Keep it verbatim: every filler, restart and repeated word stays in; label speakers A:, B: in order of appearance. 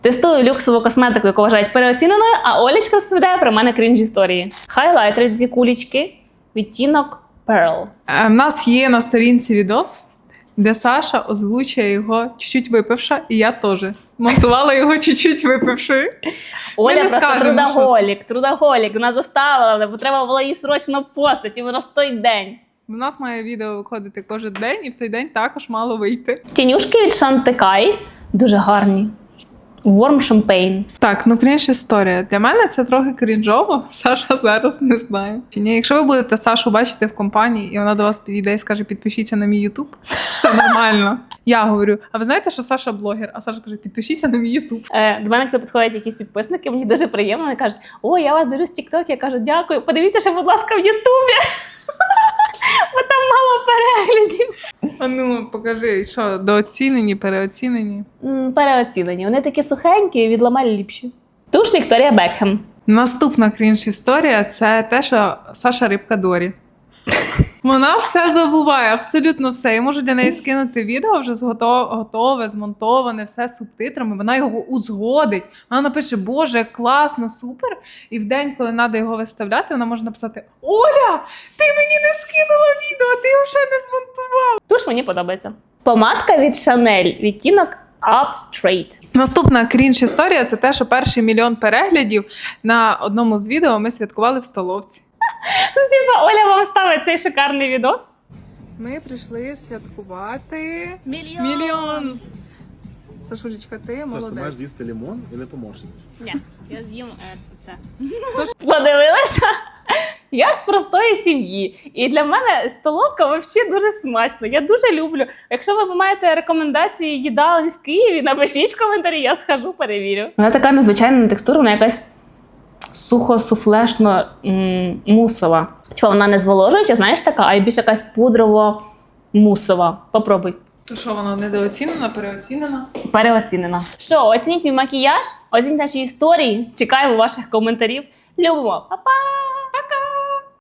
A: Тестую люксову косметику, яку вважають переоціненою, а Олечка розповідає про мене крінж-історії. Хайлайтери, дві кулечки, відтінок Pearl.
B: У нас є на сторінці відос, де Саша озвучує його чуть-чуть випивша, і я теж монтувала його чуть-чуть випившою.
A: Оля
B: не
A: просто
B: скажемо,
A: трудоголік, трудоголік. Вона заставила, бо треба було її срочно постати, і воно в той день.
B: У нас має відео виходити кожен день, і в той день також мало вийти.
A: Тінюшки від Шантекай дуже гарні. Warm Champagne.
B: Так, ну крінж історія. Для мене це трохи крінжово. Саша зараз не знає. Чи ні? Якщо ви будете Сашу бачити в компанії, і вона до вас підійде і скаже, підпишіться на мій Ютуб, це нормально. Я говорю, а ви знаєте, що Саша блогер? А Саша каже, підпишіться на мій Ютуб.
A: Е, до мене, коли підходять якісь підписники, мені дуже приємно. Вони кажуть, о, я вас дивлюсь в TikTok. Я кажу, дякую. Подивіться ще, будь ласка, в Ютубі. Бо там мало переглядів.
B: А ну, покажи, що, дооцінені, переоцінені?
A: М, Переоцінені. Вони такі сухенькі, від Ламель ліпші. Туш Вікторія Бекхем.
B: Наступна крінж-історія – це те, що Саша Рибка Дорі. Вона все забуває, абсолютно все. Я можу для неї скинути відео вже готове, змонтоване, все з субтитрами. Вона його узгодить. Вона напише, боже, як класно, супер. І в день, коли треба його виставляти, вона може написати, Оля, ти мені не скинула відео, ти його ще не змонтувала.
A: Туш мені подобається. Помадка від Chanel. Відтінок Up Straight.
B: Наступна крінж-історія – це те, що перший мільйон переглядів на одному з відео ми святкували в столовці.
A: Ну, типа, Оля вам ставить цей шикарний відос.
B: Ми прийшли святкувати
A: Мільйон.
B: мільйон. Сашулечка, ти
C: Саш, ти
B: молодець.
C: маєш з'їсти лимон і не поможеш.
A: Ні, я з'їм е, це. Подивилася? Я з простої сім'ї. І для мене столовка взагалі дуже смачно. Я дуже люблю. Якщо ви маєте рекомендації їдалень в Києві, напишіть в коментарі, я схожу, перевірю. Вона така незвичайна текстура, вона якась сухо-суфлешно м, мусова. Типа вона не зволожуюча, знаєш, така, а й більш якась пудрово-мусова. Попробуй.
B: То що, вона недооцінена, переоцінена?
A: Переоцінена. Що, оцініть мій макіяж, оцініть наші історії. Чекаємо ваших коментарів. Любимо. Па-па!